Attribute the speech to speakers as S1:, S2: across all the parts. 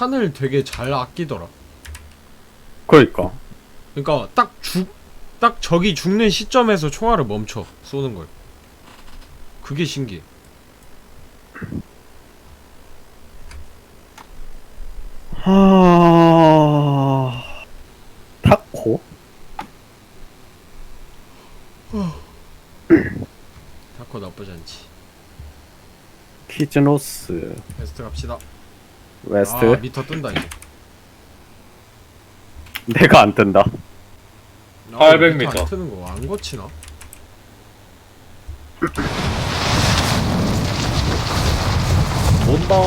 S1: 탄을 되게 잘 아끼더라.
S2: 그러니까.
S1: 그러니까 딱 적이 죽는 시점에서 총알을 멈춰 쏘는 걸. 그게 신기해.
S2: 타코?
S1: 타코 나쁘지 않지.
S2: 키즈노스.
S1: 웨스트 갑시다.
S2: 웨스트.
S1: 아 미터 뜬다 이제.
S2: 내가 안 뜬다.
S3: 800m.
S1: 미터 안 뜨는 거 안 거치나?
S3: 온다.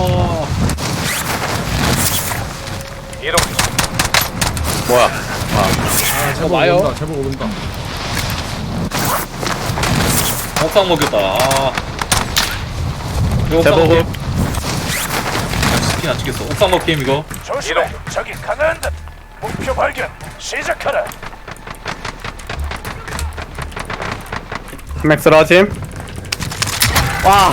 S4: 이동.
S2: 뭐야?
S1: 아 제법
S5: 와요.
S1: 온다. 제법 온다.
S3: 옥상 먹였다. 아. 이거 옥상
S2: 제법.
S3: 먹임. 치킨 안 치겠어. 옥상 먹힘 이거.
S4: 조심해. 적이 강한다. 목표 발견. 시작하라.
S2: 맥스로 하짐. 와.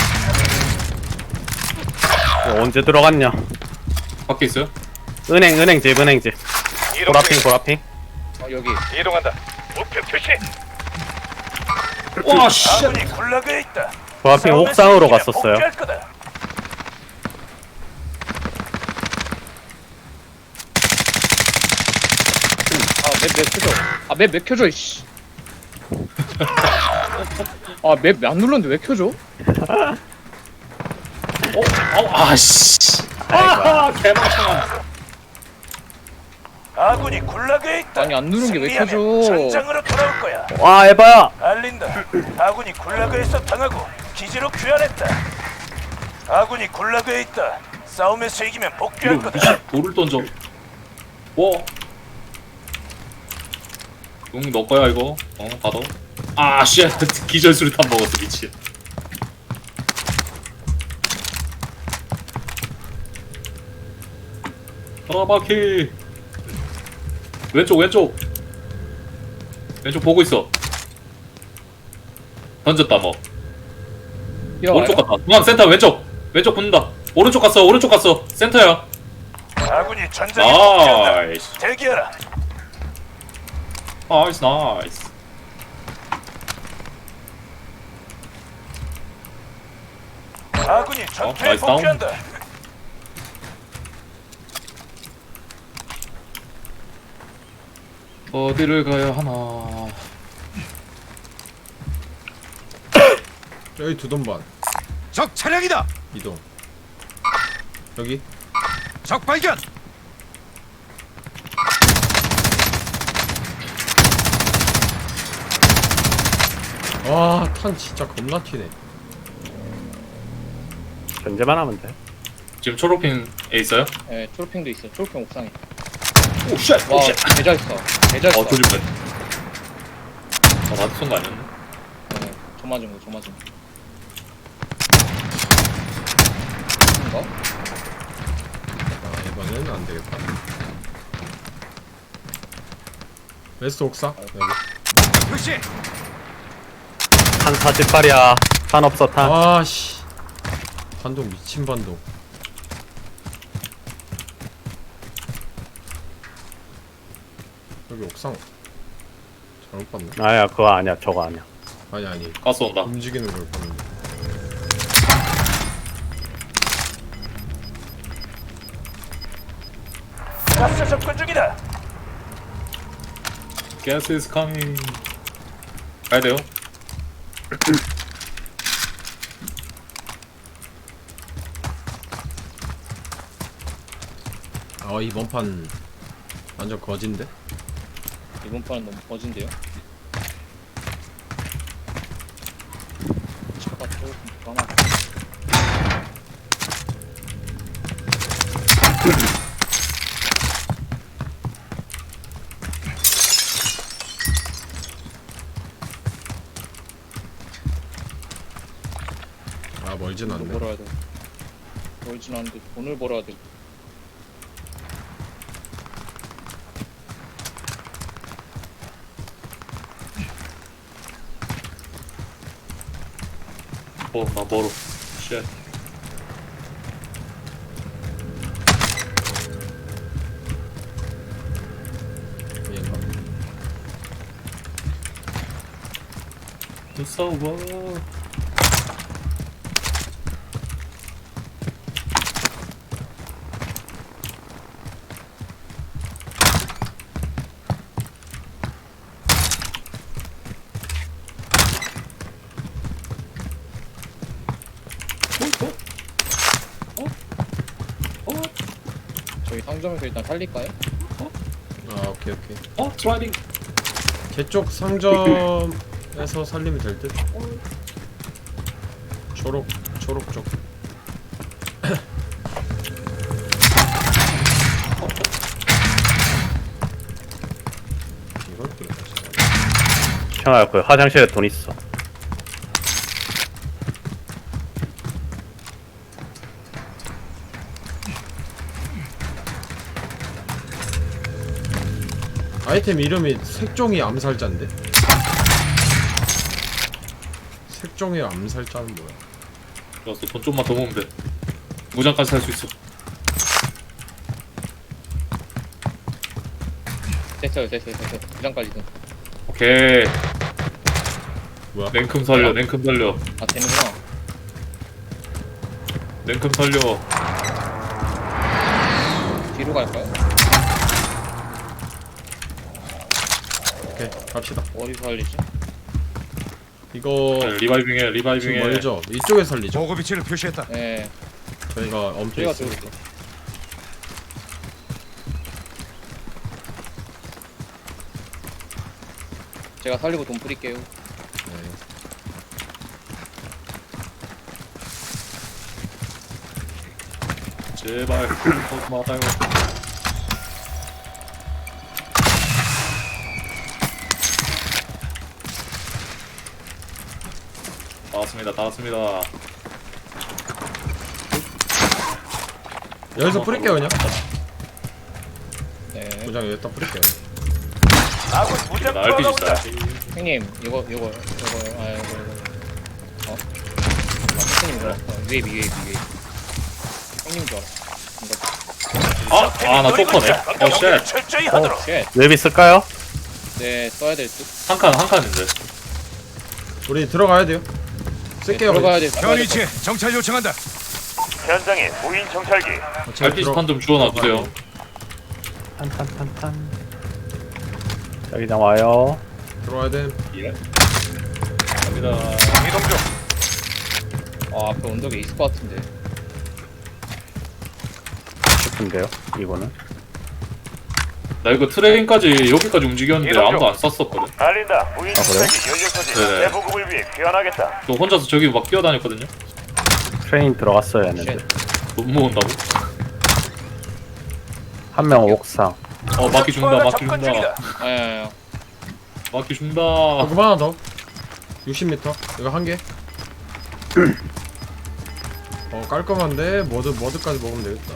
S2: 이거 언제 들어갔냐?
S3: 밖에 있어요?
S2: 은행집.
S4: 이동.
S2: 보라핑.
S5: 여기.
S4: 이동한다. 목표 표시.
S3: 와 씨.
S4: 아군이 굴락에 있다.
S2: 보라핑
S4: 싸움에서
S2: 옥상으로
S4: 이기면
S2: 갔었어요.
S4: 복귀할 거다.
S5: 맵 켜줘. 맵 왜 켜줘, 이씨. 맵 안 눌렀는데 왜 켜줘?
S3: 아씨. 아 개망청아.
S4: 아군이 굴락에 있다.
S5: 아니, 안 누른 게왜
S4: 승리하면
S5: 켜져?
S4: 전장으로 돌아올 거야.
S2: 와 에바야.
S4: 알린다. 아군이 굴락에서 당하고 기지로 귀환했다. 아군이 굴락에 있다. 싸움에서 이기면 복귀할
S3: 이거
S4: 거다.
S3: 돌을 던져. 뭐? 용 너 거야 이거. 받아. 아 씨. 기절 수류탄 먹었어 미친. 바퀴. 왼쪽 보고 있어. 던졌다 뭐. 오른쪽 갔다. 중앙 센터 왼쪽 붙는다. 오른쪽 갔어. 센터야.
S4: 아군이 전장에 복귀한다.
S3: 나이스.
S4: 대기하라.
S3: 나이스.
S4: 아군이 전투에
S3: 나이스 다운.
S4: 복귀한다.
S3: 어디를 가야 하나.
S1: 여기 두 돈반.
S6: 적 차량이다.
S1: 이동. 여기.
S6: 적 발견.
S1: 와 탄 진짜 겁나 튀네.
S2: 견제만 하면 돼.
S3: 지금 초록핀에 있어요?
S5: 네, 초록핑도 있어. 초록핑 옥상에.
S3: 오 쉣!
S5: 와, 개잘했어. 개잘했어.
S3: 조심해. 나한테 쏜거 아니었네?
S5: 네, 저 맞은 거. 인가?
S1: 아 이번에는 안 되겠다. 웨스트 옥상 여기.
S6: 표시.
S2: 탄 48이야. 탄 없어 탄.
S1: 아씨. 반동 미친 반동. 여기 옥상 잘못 봤네.
S2: 아야 그거 아니야. 저거 아니야.
S1: 아니
S3: 가스 온다.
S1: 움직이는 걸 봤는데.
S4: 가스 접근 중이다.
S3: Gas is coming. 가야 돼요?
S1: 아 이번 판 완전 거진데?
S5: 이번 판은 너무 거진데요? 차가 조금 불안하다.
S1: 아 멀진
S5: 돈을
S1: 않네.
S5: 벌어야 돼. 멀진 않은데 돈을 벌어야 돼.
S3: 나 멀어. 쉣. 무서워.
S5: 저희 상점에서 일단 살릴까요?
S1: 아 오케이.
S3: 드라이빙.
S1: 제쪽 상점에서 살리면 될 듯. 초록 쪽. 이걸 또
S2: 형아 그 화장실에 돈 있어.
S1: 아이템 이름이 색종이 암살자인데? 색종이 암살자는 뭐야?
S3: 좋았어. 돈 좀만 더 모으면 돼. 무장까지 살 수 있어.
S5: 됐어요. 부장까지는.
S3: 오케이.
S1: 뭐야?
S3: 냉큼 살려. 냉큼 살려.
S5: 아 되는구나.
S3: 냉큼 살려.
S5: 뒤로 갈까요?
S1: 오케이 갑시다.
S5: 어디서 살리지?
S1: 이거
S3: 리바이빙해.
S1: 지금
S3: 리바이빙해.
S1: 멀죠? 이쪽에 살리죠?
S6: 보급 위치를 표시했다.
S5: 네.
S1: 저희가 엄청
S5: 저희가
S1: 있으니까.
S5: 들어올게요. 제가 살리고 돈 뿌릴게요.
S1: 네.
S3: 제발. 고마워요. 다 왔습니다.
S1: 여기서 뿌릴게요 그냥.
S5: 네.
S1: 부장 여기다 뿌릴게요.
S4: 아군 무장
S3: 나 RPG
S4: 투하가 온다.
S3: 써야지.
S5: 형님 이거 아 이거 어? 형님 이거 위에 형님 줄 알았어. 이거
S3: 나 쪼커네.
S4: 경계를 철저히 하도록.
S5: 쉣.
S2: 웹 있을까요?
S5: 네 써야 될 듯.
S3: 한 칸인데.
S1: 우리 들어가야 돼요. 쓸게요.
S5: 들어가야 돼.
S6: 현 위치에 정찰 요청한다.
S4: 현장에 무인 정찰기.
S1: 제가
S3: RPG 탄 좀 주워놔 주세요.
S2: 탄. 여기 나와요.
S1: 들어와야 돼.
S3: 예. 갑니다.
S4: 이동 중.
S5: 아 앞에 언덕에 있을 것 같은데.
S2: 싶은데요. 이거는
S3: 나 이거 트레인까지 여기까지 움직였는데
S4: 이동 중.
S3: 아무도 안 쐈었거든.
S4: 알린다. 무인
S2: 아, 그래요?
S4: 정찰기 연료 소지.
S3: 네네.
S4: 대보급을 위해 귀환하겠다.
S3: 저 혼자서 저기 막 뛰어다녔거든요.
S2: 트레인 들어갔어야 했는데
S5: 쉣.
S3: 못 모은다고?
S2: 한 명 옥상.
S3: 막기 준다.
S4: 투하가
S3: 막기
S4: 접근
S3: 준다.
S4: 중이다.
S5: 아야야야.
S3: 막기 준다.
S1: 보급 하나 더. 60m. 이거 한 개. 깔끔한데 머드까지 먹으면 되겠다.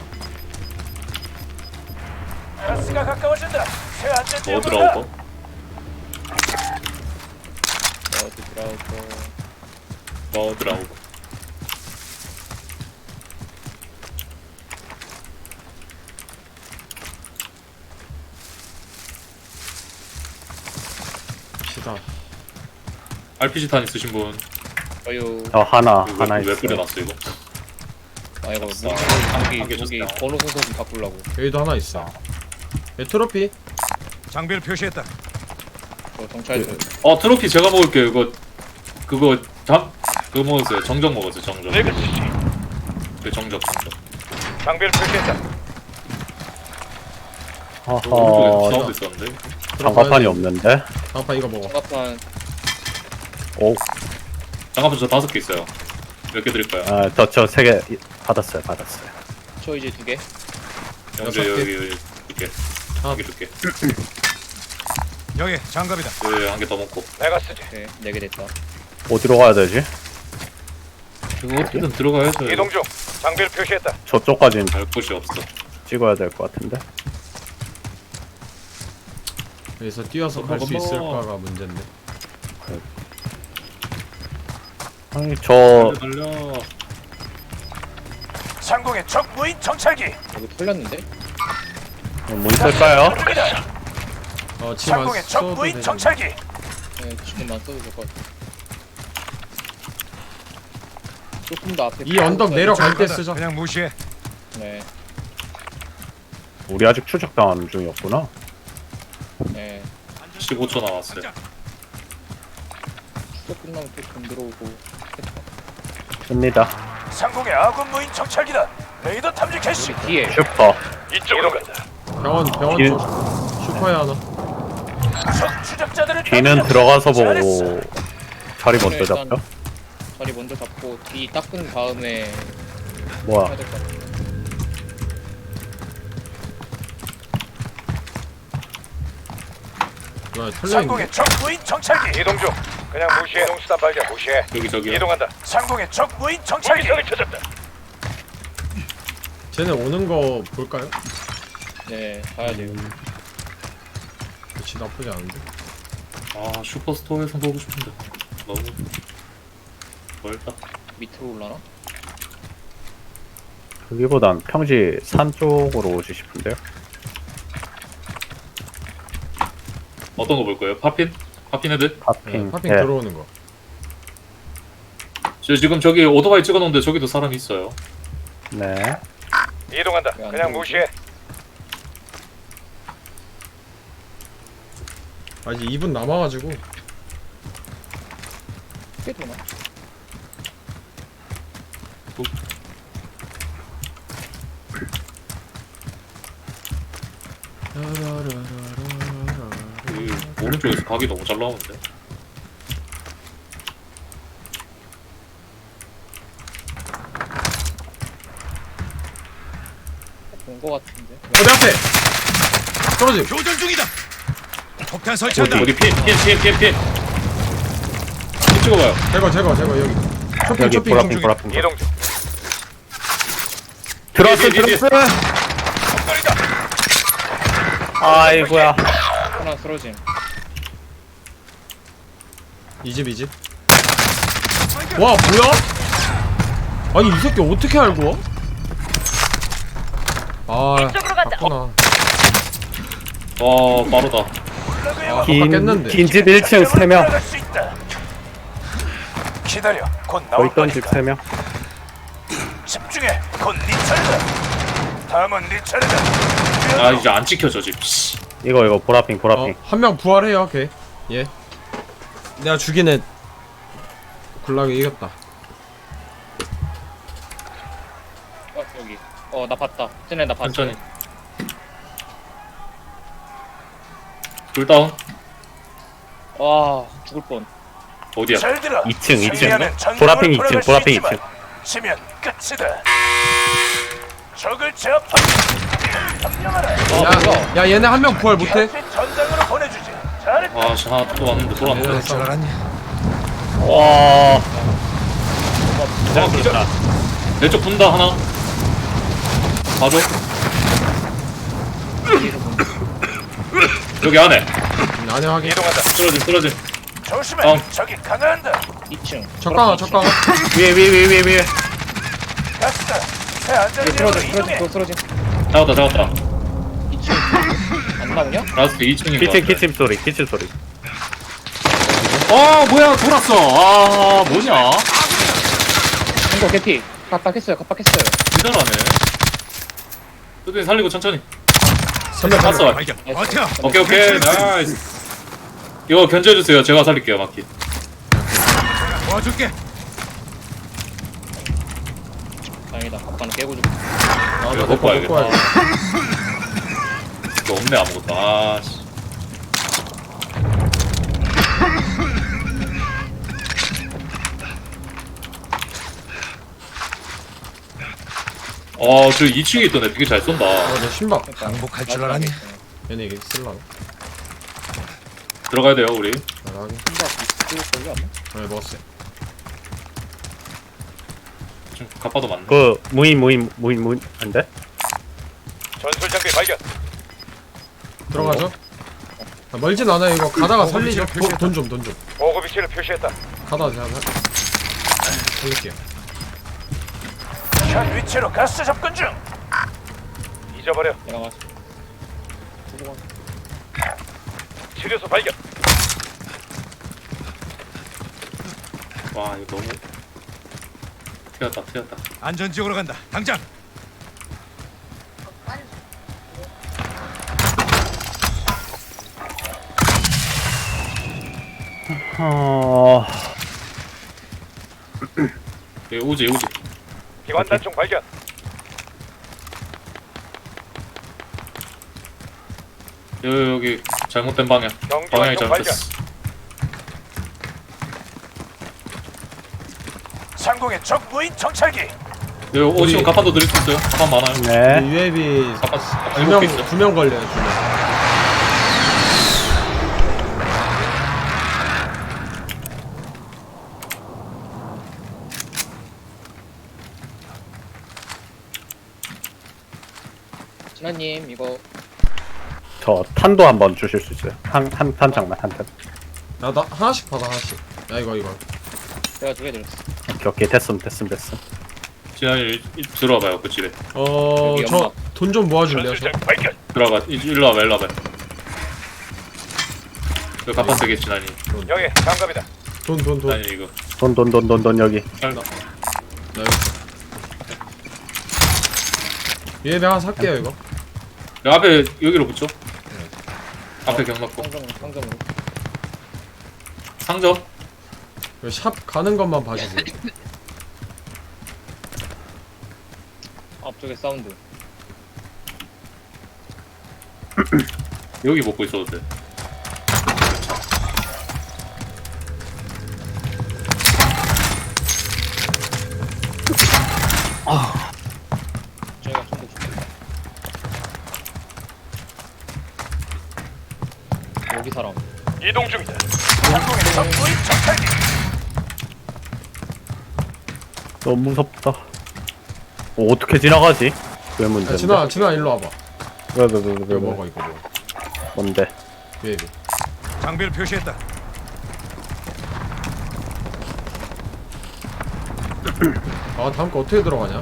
S4: 가스가 가까워진다. 새 안전
S3: 뭐
S4: 지역으로 가.
S3: 들어오고?
S5: 어디 들어오고.
S3: 뭐 들어오고?
S1: 시다.
S3: RPG 탄 있으신 분?
S5: 어유.
S2: 저 하나
S3: 이거 왜
S2: 있어요.
S3: 뿌려놨어 이거?
S5: 아 이거
S3: 아싸.
S5: 무기
S3: 한개
S5: 무기
S3: 줬다.
S5: 번호 순서 좀 바꾸려고.
S1: 여기도 하나 있어. 여기 트로피.
S6: 장비를 표시했다.
S5: 저 정찰 좀.
S3: 트로피 제가 먹을게요. 그거 먹었어요. 정적 먹었어요. 정적. 그 정적.
S4: 장비를 표시했다.
S3: 오른쪽에
S2: 허허.
S3: 사운드 있었는데.
S2: 장갑판이 없는데.
S1: 장판 이거 먹어.
S5: 장갑판
S2: 오.
S3: 장갑은 저 5개 있어요. 몇 개 드릴까요?
S2: 저 3개 받았어요.
S5: 저 이제 2개.
S3: 영재
S1: 6개.
S3: 여기 줄게.
S1: 아.
S3: 한 개 줄게.
S6: 여기 장갑이다.
S3: 여기 한 개 더 먹고.
S4: 내가 쓰지.
S5: 네, 4개 됐다.
S2: 어디로 가야 되지?
S3: 이거 어떻게든 들어가야죠.
S4: 이동 중. 장비를 표시했다.
S2: 저쪽까지는
S3: 갈 곳이 없어.
S2: 찍어야 될 것 같은데.
S1: 여기서 뛰어서 갈 수 있을까가 문제인데.
S2: 아니 저
S3: 달려.
S4: 상공의 적 무인 정찰기.
S5: 여기 털렸는데?
S2: 문 쓸까요?
S1: 지금 안
S4: 상공의 적
S1: 써도
S4: 무인
S1: 되지.
S4: 정찰기.
S5: 네, 지금만 써도 될 것 같아. 조금 더 앞에.
S1: 이 언덕 내려갈 때
S6: 간다.
S1: 쓰자.
S6: 그냥 무시해.
S5: 네.
S2: 우리 아직 추적당하는 중이었구나.
S5: 네.
S3: 15초 남았어요.
S5: 추적 끝나면 또돈 들어오고.
S2: 씁니다.
S4: 상공의 아군 무인 정찰기다. 레이더 탐지 캐시.
S5: 우리 뒤에.
S2: 슈퍼.
S4: 이쪽으로 간다.
S1: 병원
S2: 뒤-
S1: 쪽 슈퍼에 하나.
S4: 적 추적자들을
S2: 뒤는
S4: 탐지한다.
S2: 들어가서
S4: 잘했어.
S2: 보고 자리 먼저
S5: 일단
S2: 잡죠.
S5: 자리 먼저 잡고 뒤 닦은 다음에
S2: 뭐야?
S5: 해야 될 것 같아.
S1: 야, 털려있네.
S4: 상공의 적 무인 정찰기. 이동 중. 그냥 무시해. 이동 수단 발견. 무시해.
S3: 저기요.
S4: 이동한다. 상공의 적 무인 정찰기. 적을 찾았다.
S1: 쟤네 오는 거 볼까요?
S5: 네, 가야 돼요.
S1: 그치, 나쁘지 않은데.
S3: 아 슈퍼스토어에서 보고 싶은데 너무 멀다.
S5: 밑으로 올라나?
S2: 여기보단 평지 산 쪽으로 오지 싶은데요.
S3: 어떤 거 볼 거예요? 파핀? 파핀 애들?
S2: 파핑.
S1: 파핑
S2: 네.
S1: 들어오는 거.
S3: 저 지금 저기 오토바이 찍어놓은데 저기도 사람이 있어요.
S2: 네.
S4: 이동한다.
S5: 왜안
S4: 그냥
S5: 들어오지?
S4: 무시해.
S1: 아직 2분 남아가지고.
S5: 꽤 되나?
S3: 그 오른쪽에서 각이 너무 잘 나오는데.
S5: 본거 같은데.
S1: 어디 앞에! 떨어짐!
S6: 교전 중이다. 폭탄 설치한다.
S3: 어디 핀 찍어봐요.
S1: 제거, 여기. 쇼핑,
S2: 여기
S1: 쇼핑,
S2: 보라핑
S1: 쇼핑.
S2: 보라핑.
S4: 이동 중.
S2: 들어왔어
S3: 뒤에.
S2: 들어왔어. 아이고야.
S5: 하나 쓰러짐.
S1: 이 집. 와, 뭐야? 아니, 이 새끼 어떻게 알고 와? 아, 갔구나.
S3: 와 빠르다.
S1: 아, 깼는데.
S2: 긴집 1층 3명.
S4: 들어갈 수 있다. 기다려. 곧
S2: 거기
S4: 나올
S2: 있던 집
S4: 거니까.
S2: 3명.
S4: 집중해. 곧 네 차례다. 다음은 네 차례다.
S3: 아 이제 안 찍혀 저 집. 씨.
S2: 이거 보라핑.
S1: 한 명 부활해요, 걔. 예. 내가 죽인 애 굴락이 이겼다.
S5: 여기. 나 봤다. 쟤네 나 봤어.
S3: 천천히. 둘 다운.
S5: 와, 죽을 뻔.
S3: 어디야?
S4: 잘 들어.
S2: 2층.
S4: 승리하면 전쟁을
S2: 보라핑 2층.
S4: 풀어갈 수
S2: 보라핑
S4: 있지만
S2: 2층.
S4: 지면 끝이다. 적을 제압하고 점령하라.
S5: 뭐야?
S1: 야, 얘네 한 명 부활 못해?
S4: 다시 전장으로 보내주지. 잘했다.
S3: 아씨 하나 또 왔는데 돌았는데.
S6: 그럴 줄 알았냐?
S2: 와.
S3: 아, 기절. 내쪽 분다 하나. 봐줘. 여기 안에
S1: 안에 확인.
S4: 이동한다.
S3: 쓰러짐.
S4: 조심해. 적이 강화한다.
S5: 2층.
S1: 적강아.
S2: 위에.
S4: 가스다. 새 안전지역으로 이동해.
S5: 쓰러짐.
S3: 잡았다.
S5: 2층. 안 나오냐?
S3: 라스트 2층인 거 같아.
S2: 키친 소리.
S3: 뭐야 돌았어. 아 뭐냐?
S5: 이거 개피. 갑박했어요.
S3: 기다라네. 뚜둥이 살리고 천천히.
S1: 선배
S3: 갔어.
S6: 발견. 버텨.
S3: 오케이 나이스. 이거 견제해주세요. 제가 살릴게요 마키.
S6: 도와줄게.
S5: 다행이다. 갑박은 깨고 죽.
S3: 이거 먹고 와야겠다.
S1: 와야 돼.
S3: 이거 없네 아무것도. 아씨. 저 2층에 있던 애 되게 잘 쏜다.
S1: 내 신발.
S6: 항복할 줄 알았냐?
S1: 얘네 이게 쓸라나?
S3: 들어가야 돼요 우리.
S1: 나가게.
S5: 걸려 안
S1: 네, 먹었어요.
S3: 좀 갑바도 맞네.
S2: 그 무인 안 돼?
S4: 전술 장비 발견.
S1: 들어가죠. 멀진 않아요. 이거 가다가 살리죠. 돈 좀.
S4: 보고 위치를 표시했다.
S1: 가다가 제가 살릴게요.
S4: 현 위치로 가스 접근 중. 잊어버려.
S5: 내가 맞.
S4: 치료소 발견.
S3: 와 이거 너무 튀었다.
S6: 안전지역으로 간다. 당장.
S3: 여기 우지.
S4: 기관단총 발견.
S3: 여기 잘못된 방향. 방향이 잘못됐어.
S4: 상공의 적 무인 정찰기.
S3: 여기 오시면 가판도 드릴 수 있어요. 가판 많아요.
S2: 네.
S1: UAV
S3: 가판 7개 있어요.
S1: 2명 걸려요 2명.
S5: 진아님 이거
S2: 저 탄도 한번 주실 수 있어요? 한 탄창만 한 탄.
S1: 나 하나씩 받아 하나씩. 야 이거
S5: 제가 2개 드렸어.
S2: 오케이 됐음.
S3: 지난일 들어와봐요 그 집에.
S5: 여기
S1: 저
S5: 연막.
S1: 돈 좀 모아줄래요? 저?
S4: 전술장 발견.
S3: 들어가. 일로 와봐요. 그 가판 되게 지난이.
S4: 여기 장갑이다.
S1: 돈.
S3: 지난이 이거.
S2: 돈 여기.
S1: 나 여기. UAV 하나 살게요 이거.
S3: 여기 앞에 여기로 붙죠. 앞에 경납고
S5: 상점으로.
S3: 상점.
S1: 이거 샵 가는 것만 봐주세요.
S5: 앞쪽에 사운드.
S3: 여기 먹고 있어도 돼.
S5: 저희가 총도 줄게. 여기 사람.
S4: 이동 중이다. 상공의 적 무인 정찰기.
S2: 너무 무섭다. 어떻게 지나가지? 왜 문제인데?
S1: 진아 일로 와봐.
S2: 왜
S1: 이거 먹어.
S2: 뭔데?
S1: UAV.
S6: 장비를 표시했다.
S1: 아 다음 거 어떻게 들어가냐?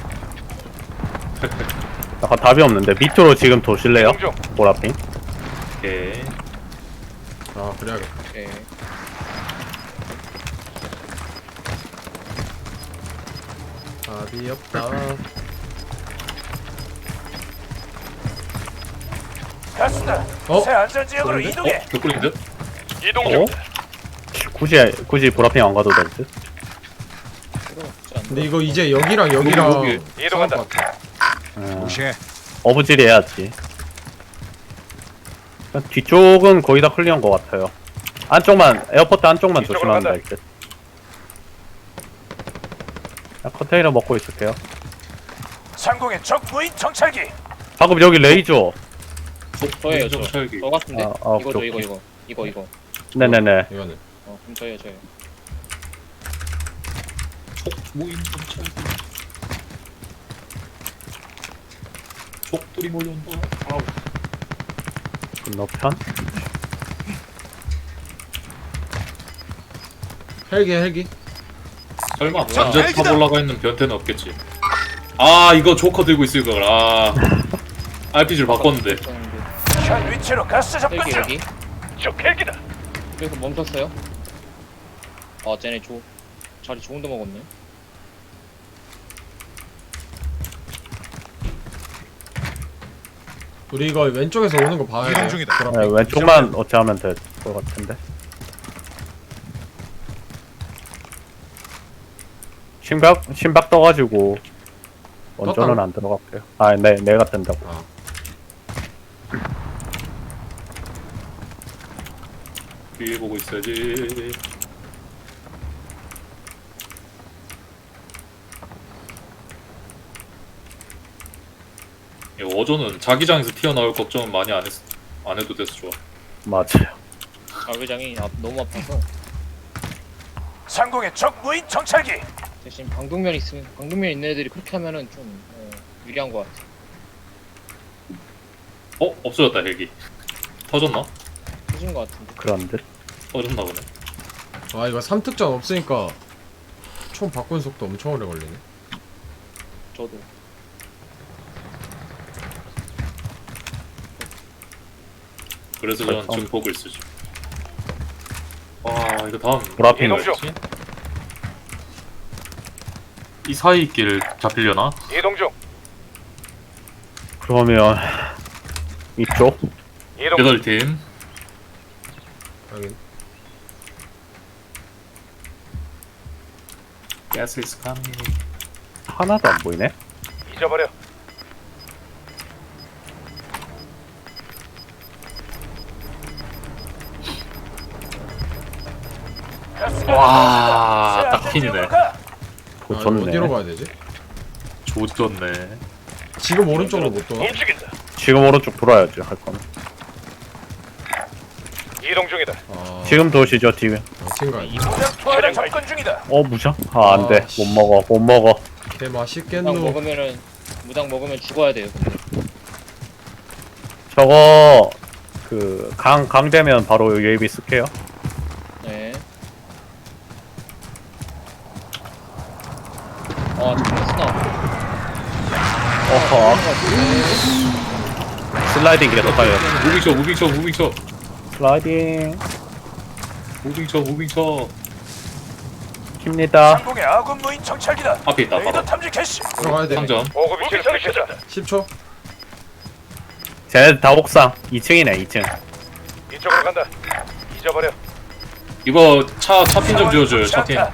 S2: 약간 답이 없는데 밑으로 지금 도실래요?
S4: 이동 중.
S2: 보라핑.
S3: 오케이.
S1: 아 그래야겠다.
S5: 오케이.
S1: 답이 없다.
S4: 가스다.
S1: 어?
S4: 새 안전지역으로 이동해.
S3: 벽돌인데?
S4: 이동
S2: 어?
S4: 중이다.
S2: 굳이 보라핑 안 가도 될 듯?
S5: 필요 없지 않나?
S1: 근데 이거 이제 여기랑 여기랑
S3: 여기.
S4: 이동한다.
S1: 싸울 것 같아.
S6: 무시해.
S2: 어부질 해야지. 뒤쪽은 거의 다 클리어인 것 같아요. 안쪽만, 에어포트 안쪽만
S4: 이쪽으로
S2: 조심하면
S4: 간다.
S2: 될 듯. 컨테이너 먹고 있을게요.
S4: 상공의 적 무인 정찰기.
S2: 방금 여기 레이저.
S5: 저예요
S3: 좀
S5: 저.
S3: 철기.
S5: 저 같은데. 이거죠
S2: 오케이.
S5: 이거.
S2: 네네네.
S1: 이거는
S5: 그럼 저예요.
S3: 모임 정찰기. 족들이 몰려온다. 아우.
S2: 건너편?
S1: 헬기.
S3: 설마
S5: 뭐야?
S3: 완전 탑 올라가 있는 변태는 없겠지. 아 이거 조커 들고 있을 걸. 아 RPG를 바꿨는데.
S4: 현 위치로 가스 접근 중.
S5: 여기.
S4: 적 헬기다.
S5: 여기서 멈췄어요. 아 쟤네 자리 좋은 데 먹었네.
S1: 우리 이거 왼쪽에서 오는 거 봐야
S6: 이동
S1: 돼.
S6: 중이다.
S2: 네, 왼쪽만 어찌하면 될 것 같은데. 심박 떠가지고 원전은
S1: 떴다고?
S2: 안 들어갈게요. 아, 네, 내가 뜬다고.
S1: 아.
S3: 뒤에 보고 있어야지. 이 어조는 자기장에서 튀어나올 걱정은 많이 안 해도 돼서 좋아.
S2: 맞아요.
S5: 자회장이 너무 아파서
S4: 상공의 적 무인 정찰기.
S5: 대신 방독면 있는 애들이 그렇게 하면은 좀 유리한 것 같아.
S3: 없어졌다 헬기. 터졌나?
S5: 터진 것 같은데.
S2: 그런 듯.
S3: 터졌나 보네.
S1: 아 이거 3특전 없으니까 총 바꾸는 속도 엄청 오래 걸리네.
S5: 저도.
S3: 그래서 저는
S2: 벌써?
S3: 증폭을 쓰죠. 와 이거 다음
S2: 보라핑.
S3: 뭐였지? 이 사이 길 잡히려나?
S6: 이동 중.
S2: 그러면 이쪽
S6: 이동 중.
S3: 8팀.
S1: 확인.
S3: Gas is coming.
S2: 하나도 안 보이네.
S6: 잊어버려.
S4: 가스가
S3: 와,
S4: 나왔다.
S3: 딱
S4: 새
S3: 핀이네.
S4: 안전지역으로 가.
S2: 보졌네.
S1: 어디로 가야 되지?
S3: 조졌네.
S1: 지금 오른쪽으로 못 돌아?
S6: 움직인다.
S2: 지금 오른쪽 돌아야지 할 거는.
S6: 이동 중이다.
S1: 아,
S2: 지금 도시죠 지금.
S1: 팀 가야 돼.
S4: 무장 투하를 접근 중이다.
S2: 무장? 아 안돼.
S1: 아,
S2: 못 먹어. 못 먹어.
S1: 개
S5: 무당
S1: 맛있겠노.
S5: 먹으면은 무당 먹으면 죽어야 돼요.
S2: 저거 그 강 되면 바로 UAV 쓸게요.
S5: 네. 정말 스나.
S2: 어허. 슬라이딩 계속 가요.
S3: 무빙쳐.
S2: 슬라이딩
S3: 무빙쳐.
S2: 킵니다.
S4: 상공의 아군 무인 정찰기다.
S3: 앞에 있다,
S4: 레이더
S3: 바로.
S4: 탐지 캐시.
S1: 들어가야 돼.
S3: 상점.
S6: 보급 위치를 표시했다.
S1: 10초.
S2: 쟤네 다 옥상 2층이네 2층.
S6: 이쪽으로 간다. 잊어버려.
S3: 이거 차핀 좀 지워줘요.
S4: 좋지
S3: 차핀.
S4: 않다.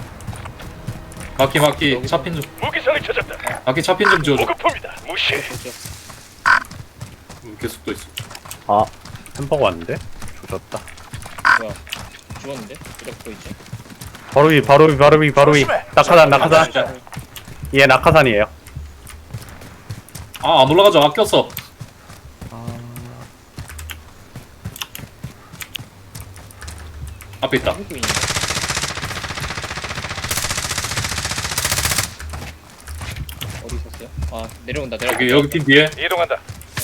S3: 마키 차핀 좀.
S6: 무기선이 찾았다.
S3: 마키 차핀 좀 지워줘.
S6: 보급품이다. 무시.
S3: 계속 또 있어.
S2: 아 햄버거 왔는데? 조졌다.
S5: 뭐야? 죽었는데? 그래 보이지?
S2: 바로 위.
S4: 조심해.
S2: 낙하산. 얘 낙하산이에요.
S3: 아, 안 올라가죠. 아꼈어. 앞에 있다.
S5: 하고 있네. 어디 있었어요? 내려온다.
S3: 여기 핀 뒤에.
S6: 이동한다.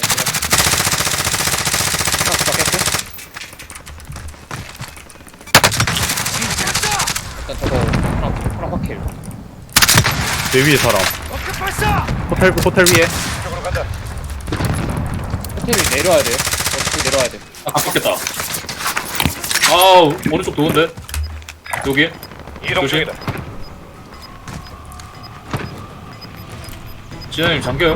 S5: 일단 저거 파랑 확킬.
S2: 내 위에 사람. 호텔 위에.
S6: 이쪽으로 간다.
S5: 호텔이 내려와야 돼요. 어떻게 내려와야 돼?
S3: 아깝겠다. 아, 오른쪽 도는데. 여기.
S6: 이동
S3: 조심.
S6: 중이다.
S3: 진아님 잠겨요.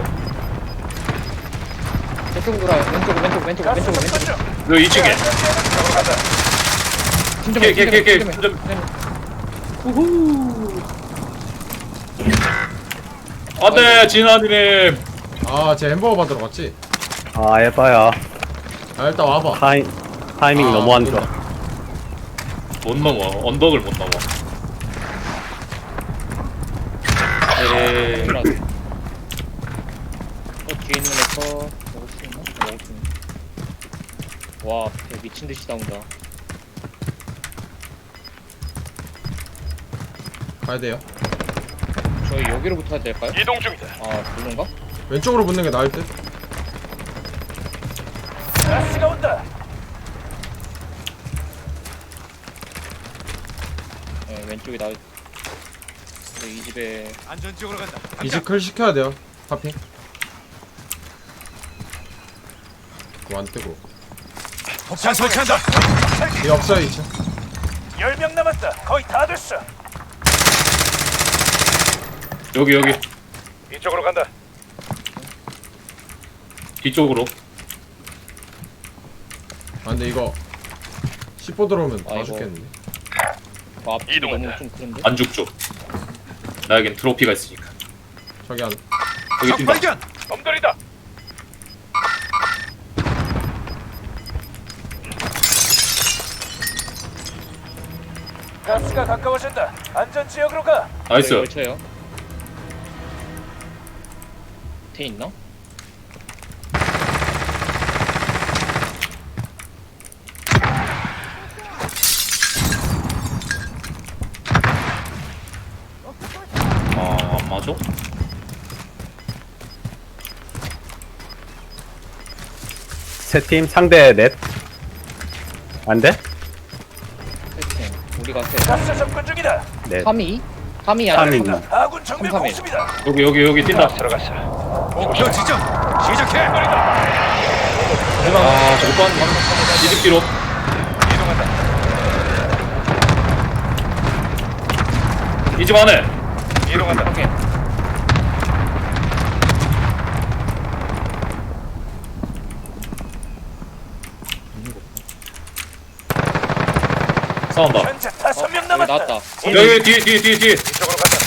S5: 저쪽으로 돌아요. 왼쪽.
S4: 가스 접근 중.
S3: 여기 2층에.
S6: 이쪽으로 간다.
S3: 걔. 안돼, 진아님.
S1: 아, 쟤 햄버거 받으러 갔지?
S2: 아 에바야.
S1: 아, 일단 와봐.
S2: 타이밍
S1: 아,
S2: 너무 안 좋아.
S3: 못 넘어. 언덕을 못 넘어. 에이.
S5: 뒤에 있는 애거 먹을 수 있나? 먹을 수 있나? 와, 배 미친 듯이 나온다.
S1: 가야 돼요.
S5: 저희 여기로 붙어야 될까요?
S6: 이동 중이다.
S5: 그런가?
S1: 왼쪽으로 붙는 게 나을 듯.
S4: 가스가 온다.
S5: 네, 왼쪽이 나올. 근데 이 집에
S6: 안전지역으로 간다.
S1: 이제 클 시켜야 돼요. 파핑. 그거 안 뜨고.
S6: 폭탄 설치한다.
S1: 얘 없어요, 2층.
S4: 10명 남았다. 거의 다 됐어.
S3: 여기.
S6: 이쪽으로 간다.
S3: 뒤쪽으로.
S1: 아, 근데 이거 10호 들어오면 다
S5: 아이고.
S1: 죽겠는데.
S5: 앞이 너무
S6: 이동한다.
S5: 좀 그런데?
S3: 안 죽죠. 나에겐 트로피가 있으니까.
S1: 저기 안.
S3: 여기 뛴다.
S6: 발견. 놈들이다.
S4: 가스가 가까워진다. 안전지역으로 가.
S3: 나이스.
S5: 걸쳐요. 밑에 있나?
S3: 안 맞아?
S2: 세 팀 상대 넷. 안 돼?
S5: 세팅. 우리가 세.
S4: 가스 접근 중이다.
S2: 넷.
S5: 3위? 3위
S2: 삼위.
S5: 아니야?
S4: 아군 정밀
S5: 3-3-1.
S4: 공습이다.
S3: 여기 뛴다.
S6: 들어갔어. 목표 지점. 시작해.
S3: 아, 저거 또한 이득기로.
S6: 이동한다.
S3: 이 집 안에.
S6: 이동한다.
S5: 확인.
S3: 싸운다.
S4: 현재 5명
S5: 여기
S4: 남았다.
S5: 나왔다.
S3: 여기 뒤에.
S6: 이쪽으로 간다.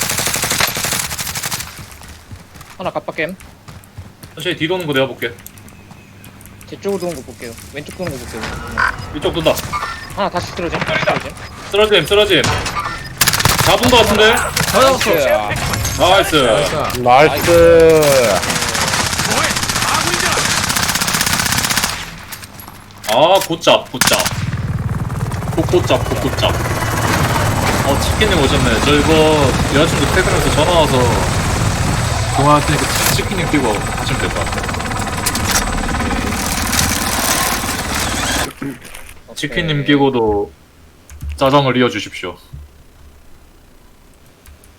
S5: 하나 깜빡겜.
S3: 천천히 뒤 도는 거 내가 볼게.
S5: 제 쪽으로 도는 거 볼게요. 왼쪽 도는 거 볼게요.
S3: 이쪽 돈다.
S5: 하나 다시 쓰러짐.
S3: 쓰러짐. 잡은 거 같은데?
S1: 잡았어.
S3: 나이스.
S1: 나이스.
S2: 나이스.
S6: 뭐해? 아군이잖아.
S3: 아, 굿잡. 굿잡. 치킨님 오셨네. 저 이거 여자친구 퇴근해서 전화 와서 통화할 테니까 치킨님 끼고 하시면 될 것 같아요. 치킨님 끼고도 짜장을 이어주십시오.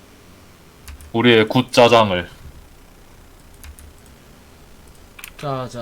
S3: 우리의 굿 짜장을.
S1: 자.